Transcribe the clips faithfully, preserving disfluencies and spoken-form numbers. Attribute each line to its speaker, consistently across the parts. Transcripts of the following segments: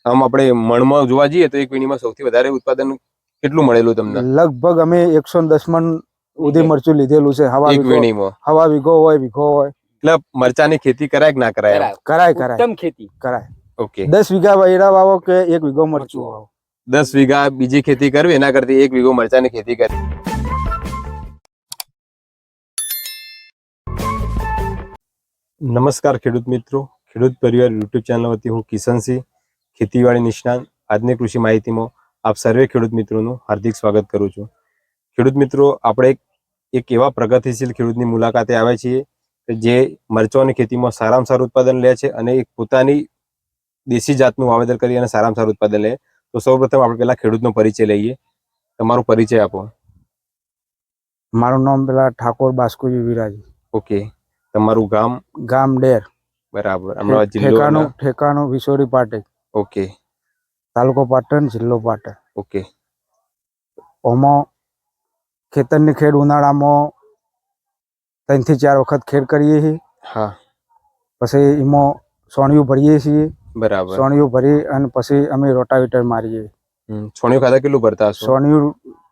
Speaker 1: આમ આપણે મણમાં જોવા જઈએ તો એક વીણીમાં સૌથી વધારે ઉત્પાદન કેટલું મળેલું તમને?
Speaker 2: લગભગ અમે એકસો ને દસ મણ ઉધી મરચું લીધેલું છે. હવા
Speaker 1: એક
Speaker 2: વીઘો
Speaker 1: વીણીમાં
Speaker 2: હવા વીઘો હોય વીઘો હોય.
Speaker 1: એટલે મરચાની ખેતી કરાય કે ના કરાય?
Speaker 2: કરાય કરાય
Speaker 3: ઉત્તમ ખેતી
Speaker 2: કરાય.
Speaker 1: ઓકે,
Speaker 2: દસ વીઘા વૈરા વાવો કે એક વીઘો મરચું વાવો.
Speaker 1: દસ વીઘા બીજી ખેતી કરવી એના કરતી એક વીઘો મરચાની ખેતી કરવી. નમસ્કાર ખેડૂત મિત્રો, ખેડૂત પરિવાર યુટ્યુબ ચેનલ વતી હું કિશનસિંહ, ખેતીવાડી નિષ્ણાંત આજની કૃષિ માહિતીમાં આપ સર્વે ખેડૂત મિત્રોનું હાર્દિક સ્વાગત કરું છું. ખેડૂત મિત્રો, આપણે એક એવા પ્રગતિશીલ ખેડૂતની મુલાકાતે આવ્યા છીએ કે જે મરચાંની ખેતીમાં સારામાં સારું ઉત્પાદન લે છે અને એક પોતાની દેશી જાતનું વાવેતર કરી અને સારામાં સારું ઉત્પાદન લે. તો સૌપ્રથમ આપણે પેલા ખેડૂતનો પરિચય લઈએ. તમારો પરિચય આપો.
Speaker 2: મારું નામ પેલા ઠાકોર બાસ્કુજી વિરાજી.
Speaker 1: ઓકે, તમારું ગામ?
Speaker 2: ગામ ડેર.
Speaker 1: બરાબર. અમદાવાદ જિલ્લો?
Speaker 2: ઠેકાણું ઠેકાણું વિસોરી પાટણ.
Speaker 1: ઓકે.
Speaker 2: તાલુકો પાટણ, જિલ્લો પાટણ.
Speaker 1: ઓકે.
Speaker 2: ઓમાં ખેતરની ખેડ ઉનાળામાં ત્રણ થી ચાર વખત ખેડ કરીએ છીએ.
Speaker 1: હા.
Speaker 2: પછી એમાં સોણિયું ભરીએ છીએ.
Speaker 1: બરાબર.
Speaker 2: સોણિયું ભરી અને પછી અમે રોટાવેટર મારીએ.
Speaker 1: સોણિયું ખાતા કેટલું ભરતા હશો?
Speaker 2: સોણિયું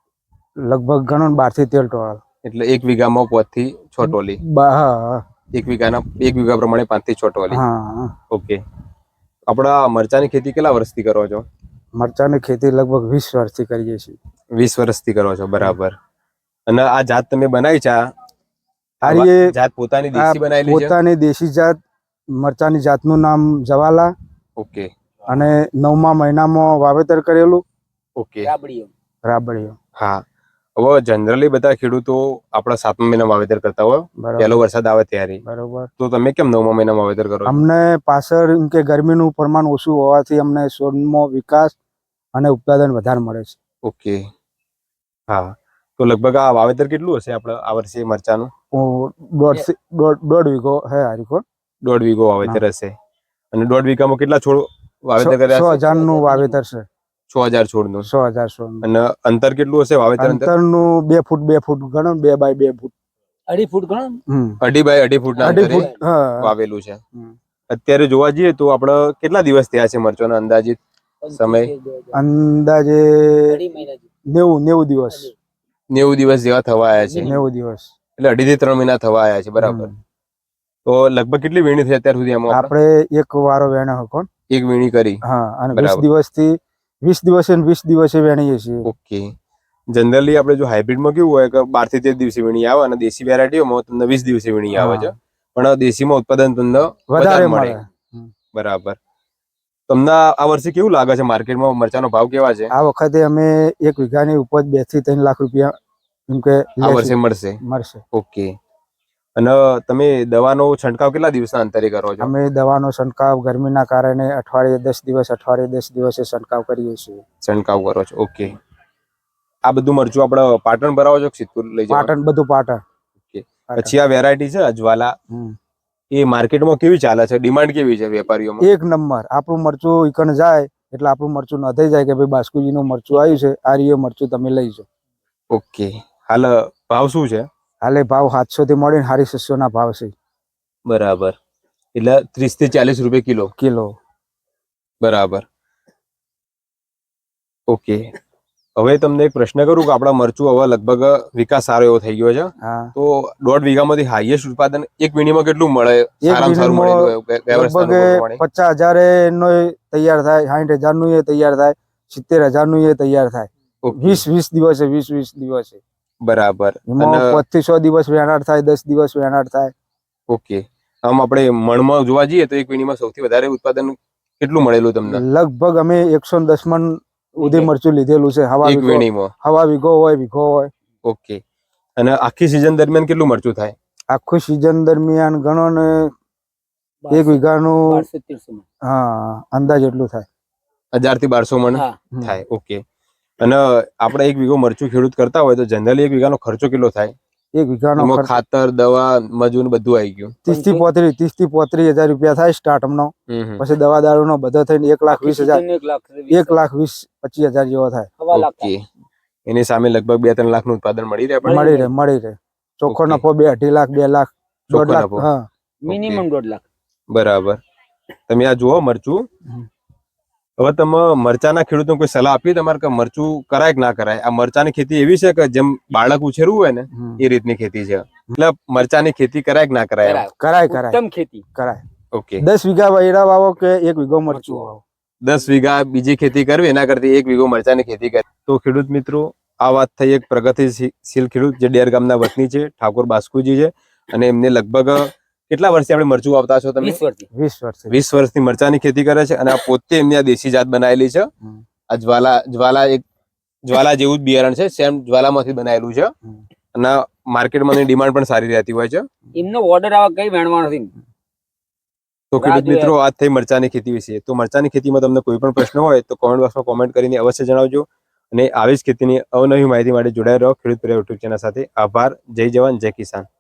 Speaker 2: લગભગ ગણો બાર થી તેર ટોળા.
Speaker 1: એટલે એક વીઘામાં પાંચ થી છ ટોલી?
Speaker 2: હા.
Speaker 1: એક વીઘાના એક વીઘા પ્રમાણે પાંચ થી છ ટોલી.
Speaker 2: હા.
Speaker 1: ઓકે. આપણા મરચાની ખેતી કેટલા વર્ષથી કરો છો?
Speaker 2: મરચાની ખેતી લગભગ વીસ વર્ષથી કરીએ છીએ.
Speaker 1: વીસ વર્ષથી કરો છો, બરાબર. અને આ જાત તમે બનાવી છે, આ જાત પોતાની દેશી બનાવેલી છે?
Speaker 2: પોતાની દેશી જાત મરચાની જાતનું નામ જવાલા.
Speaker 1: ઓકે.
Speaker 2: અને નવમા મહિનામાં વાવેતર કરેલું.
Speaker 1: ઓકે.
Speaker 3: રાબડીઓ
Speaker 2: રાબડીઓ.
Speaker 1: હા. હવે જનરલી બધા ખેડૂતો આપણા સાતમા મહિનામાં વાવેતર કરતા હોય, પહેલો વરસાદ આવે ત્યારે.
Speaker 2: બરોબર.
Speaker 1: તો તમે કેમ નવમા મહિનામાં વાવેતર કરો છો?
Speaker 2: અમને પાછળ એમ કે ગરમીનું પ્રમાણ ઓછું હોવાથી અમને છોડમાં વિકાસ અને ઉત્પાદન વધારે મળે છે.
Speaker 1: ઓકે. હા. તો લગભગ આ વાવેતર કેટલું હશે આપણે આ વર્ષે મરચાનું?
Speaker 2: દોઢ દોઢ વીઘો હે હારીકો.
Speaker 1: દોઢ વીઘો વાવેતર હશે. અને દોઢ વીઘામાં કેટલા છોડ વાવેતર કર્યા?
Speaker 2: સો હજાર નું વાવેતર છે.
Speaker 1: છ હજાર છોડ નું?
Speaker 2: સો હજાર છોડ.
Speaker 1: અને અંતર કેટલું હશે વાવેતર?
Speaker 2: અંતર નું બે ફૂટ બે ફૂટ ગણો, બે બાય બે ફૂટ.
Speaker 3: અઢી ફૂટ ગણો.
Speaker 1: અઢી બાય અઢી ફૂટ ના અંતરે વાવેલું છે. અત્યારે જોવા જઈએ તો આપણે કેટલા દિવસ થયા છે મરચાંનો અંદાજિત સમય?
Speaker 2: અંદાજે નેવું નેવું દિવસ.
Speaker 1: નેવું દિવસ જેવા થવા આવ્યા છે.
Speaker 2: નેવું દિવસ
Speaker 1: એટલે અઢી થી ત્રણ મહિના થવા આવ્યા છે, બરાબર. તો લગભગ કેટલી વીણી થઈ અત્યાર સુધી? આમાં
Speaker 2: આપણે એક વારો વેણો હકો.
Speaker 1: એક વીણી કરી.
Speaker 2: હા. અને વીસ દિવસ થી વીસ દિવસે વીસ દિવસે વેણીએ છીએ.
Speaker 1: ઓકે. જનરલી આપણે જો હાઇબ્રિડમાં કેવું હોય કે બાર થી તેર દિવસે વીણી આવે અને દેશી વેરાયટીઓમાં તમને વીસ દિવસે વીણી આવે છે, પણ દેશીમાં ઉત્પાદન તમને વધારે મળે. બરાબર. તમને આ વર્ષે કેવું લાગે છે માર્કેટમાં મરચાનો ભાવ કેવા છે?
Speaker 2: આ વખતે અમે એક વીઘાની ઉપજ બે થી ત્રણ લાખ રૂપિયા એમ કે
Speaker 1: આ વર્ષે મળશે.
Speaker 2: મળશે.
Speaker 1: ઓકે. અને તમે દવાનો છંટકાવ કેટલા દિવસના અંતરે કરો છો?
Speaker 2: અમે દવાનો છંટકાવ ગરમીના કારણે અઠવાડિયે દસ દિવસ અઠવાડિયે દસ દિવસે છંટકાવ કરીએ છીએ.
Speaker 1: છંટકાવ કરો છો. ઓકે. આ બધું મરચું આપણે પાટણ ભરાવો છો કે સિદ્ધપુર લઈ જાવ?
Speaker 2: પાટણ, બધું પાટણ.
Speaker 1: ઓકે. પછી આ વેરાયટી છે અજવાલા, એ માર્કેટમાં કેવી ચાલે છે? ડિમાન્ડ કેવી છે વેપારીઓમાં? એક
Speaker 2: નંબર. આપણું મરચું ઈકણ જાય એટલે આપણું મરચું નથાઈ જાય કે ભાઈ બાસ્કુજીનું મરચું આવ્યું છે, આ રીયો મરચું તમે લઈ જાઓ.
Speaker 1: ઓકે. હાલ ભાવ શું છે?
Speaker 2: હાલે ભાવ સાતસો થી મળીને સાડી છસો ના ભાવ છે.
Speaker 1: બરાબર. એટલે ત્રીસ થી ચાલીસ રૂપિયા કિલો?
Speaker 2: કિલો.
Speaker 1: બરાબર. ઓકે. હવે તમને એક પ્રશ્ન કરું કે આપણા મરચું હવે લગભગ વિકાસ સારો એવો થઈ ગયો છે, તો દોઢ વીઘામાંથી હાઈએસ્ટ ઉત્પાદન એક વીણીમાં કેટલું મળે? સારામાં સારું મળે?
Speaker 2: પચાસ હજાર નો તૈયાર થાય, સાઠ હજાર નું એ તૈયાર થાય, સિત્તેર હજાર નું એ તૈયાર થાય. વીસ વીસ દિવસે વીસ વીસ દિવસે.
Speaker 1: બરાબર.
Speaker 2: પાંચ થી છ દિવસ વેણાટ થાય, દસ દિવસ વેણાટ થાય.
Speaker 1: ઓકે. આમ આપણે મણમાં જોવા જઈએ તો એક વીણીમાં સૌથી વધારે ઉત્પાદન કેટલું મળેલું તમને?
Speaker 2: લગભગ અમે એકસો ને દસ મણ ઉધી મરચું લીધેલું છે. હવા
Speaker 1: એક વીણીમાં?
Speaker 2: હવા વીઘો હોય વીઘો હોય.
Speaker 1: ઓકે. અને આખી સીઝન દરમિયાન કેટલું મરચું થાય?
Speaker 2: આખું સીઝન દરમિયાન ગણો ને એક વીઘાનું હા અંદાજ એટલું થાય.
Speaker 1: હજાર થી બારસો મણ થાય. ઓકે. અને આપણે એક વીઘો મરચું ખેડૂત કરતા હોય તો જનરલી એક વીઘાનો ખર્ચો કેટલો થાય?
Speaker 2: એક વીઘાનો
Speaker 1: ખાતર, દવા, મજૂર બધું આવી ગયું
Speaker 2: ત્રીસ થી પોત્રીસ ત્રીસ થી પોત્રીસ હજાર રૂપિયા થાય સ્ટાર્ટ નો. પછી દવા દારૂ નો બધો થઈને એક લાખ વીસ હજાર એક લાખ વીસ પચીસ હજાર જેવો થાય.
Speaker 1: ઓકે. એની સામે લગભગ બે ત્રણ લાખ નું ઉત્પાદન મળી રહે?
Speaker 2: મળી રહે મળી રહે. ચોખ્ખો નફો બે અઢી લાખ બે લાખ દોઢ લાખ. હા,
Speaker 3: મિનિમમ દોઢ લાખ.
Speaker 1: બરાબર. તમે આ જુઓ મરચું, હવે તમે મરચાના ખેડૂતોને કોઈ સલાહ આપી તમારે કે મરચું કરાય કે ના કરાય? આ મરચાની ખેતી એવી છે કે જેમ બાળક ઉછેરવું હોય ને
Speaker 2: હમ.
Speaker 1: એ રીતની ખેતી છે. એટલે મરચાની ખેતી કરાય કે ના કરાય?
Speaker 2: કરાય કરાય
Speaker 3: ઉત્તમ ખેતી
Speaker 2: કરાય.
Speaker 1: ઓકે,
Speaker 2: દસ વીઘા વૈરા વાવો કે એક વીઘો મરચું વાવો.
Speaker 1: દસ વીઘા બીજી ખેતી કરવી એના કરતી એક વીઘો મરચાની ખેતી કરી. તો ખેડૂત મિત્રો, આ વાત થઈ એક પ્રગતિશીલ ખેડૂત જે ડેર ગામના વતની છે, ઠાકોર બાસ્કુજી છે, અને એમને લગભગ કેટલા વર્ષથી આપણે મરચું વાવતા છો તમે?
Speaker 3: વીસ વર્ષથી
Speaker 2: વીસ વર્ષ
Speaker 1: વીસ વર્ષથી મરચાની ખેતી કરે છે અને આ પોતે એમની આ દેશી જાત બનાવેલી છે.
Speaker 2: હમ.
Speaker 1: આ જ્વાલા જ્વાલા એક જ્વાલા જેવું જ બિયારણ છે, સેમ જ્વાલામાંથી બનાવેલું છે
Speaker 2: હમ.
Speaker 1: અને માર્કેટમાં એની ડિમાન્ડ પણ સારી રહેતી હોય છે.
Speaker 3: એમનો ઓર્ડર આવે કઈ વેણવાનો નથી.
Speaker 1: તો ખેડૂત મિત્રો, આ થઈ મરચાની ખેતી વિશે. તો મરચાની ખેતીમાં તમને કોઈ પણ પ્રશ્ન હોય તો કોમેન્ટ બોક્સમાં કોમેન્ટ કરીને અવશ્ય જણાવજો. અને આવી જ ખેતીની અવનવી માહિતી માટે જોડાઈ રહો ખેડૂત પરિવાર યુટ્યુબ ચેનલ સાથે. આભાર. જય જવાન, જય કિસાન.